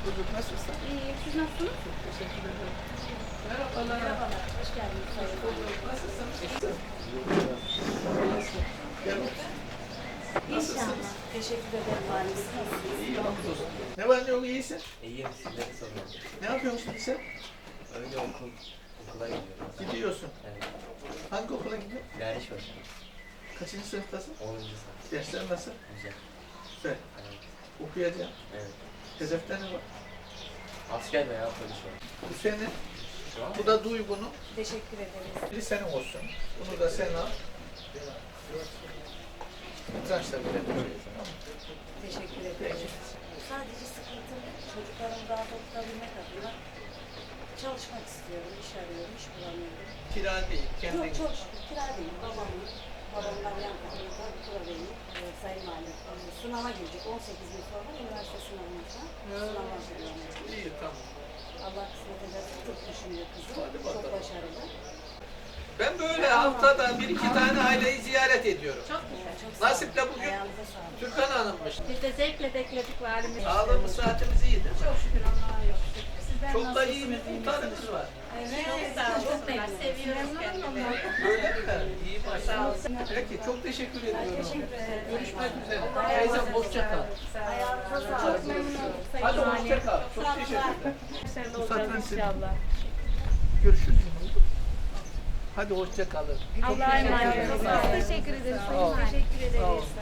bulduk. Nasılsın? İyiyim. Siz nasılsınız? Teşekkür ederim. Merhabalar. Merhabalar. Hoş geldiniz. Hoş bulduk. Nasılsın? Gel bakayım. İnşallah. Teşekkür ederim valimiz. İyi hamdolsun. Ne var ne yok iyisin? İyiyim, sizleri soruyorum. Ne yapıyorsun şimdi sen? Öyle okula gidiyorum. Gidiyorsun. Evet. Hangi okula gidiyorsun? Derviş başkanı. Kaçıncı sınıftasın? 10. sınıf. Dersler nasıl? Güzel. Güzel. Evet. Okuyacağım. Evet. Hedefte ne var? Asker veya polis var. Bu senin. Şu an Bu da Duygu'nun. Teşekkür ederiz. Biri senin olsun. Bunu da sen al. Tıraşla bile tamam mı? Teşekkür ederiz. Sadece sıkıntım çocuklarımı rahat okutabilmek adına çalışmak istiyorum. İş arıyorum. İş bulamıyorum. Kira değil, kendin. Yok çok şükür. Kira değil. Babamdan yan kapımda buradayım. Sayın Valim. Sınava girecek. 18 gün sonra üniversite sınavımızda. Sınava hazırlıyorum. İyi tamam. Allah kısmet ederse çok düşünüyor kızım. Hadi bakalım. Çok başarılı. Ben böyle haftada bir iki tane aileyi ziyaret ediyorum. Çok güzel. Çok sağ olun. Nasip'le bugün Ayağınıza sağlık. Türkan Hanım'mış. Biz de zevkle bekledik valimiz. Sağlığımız, saatimiz iyi değil mi? Çok şükür Allah'a yok. Sizler Çok da iyi bir nasılsınız, iyi muhtarımız misiniz? var. Evet. Çok sağ olsunlar. Seviyoruz kendilerini. Öyle mi? İyi Sağ maşallah. olsun. Peki çok teşekkür ediyorum. Teşekkür ederim. Görüşmek üzere. Teyzem hoşça kal. Ayağınıza Çok sağlık. memnun olduk Sayın Hadi Valim. hoşça kal. Çok Sağ olun. teşekkürler. Başarılı Bu olacağız satranç inşallah. Görüşürüz. Hadi hoşça kalın. Allah'a emanet olun. Teşekkür ederiz. Sağ olun. Teşekkür ederiz.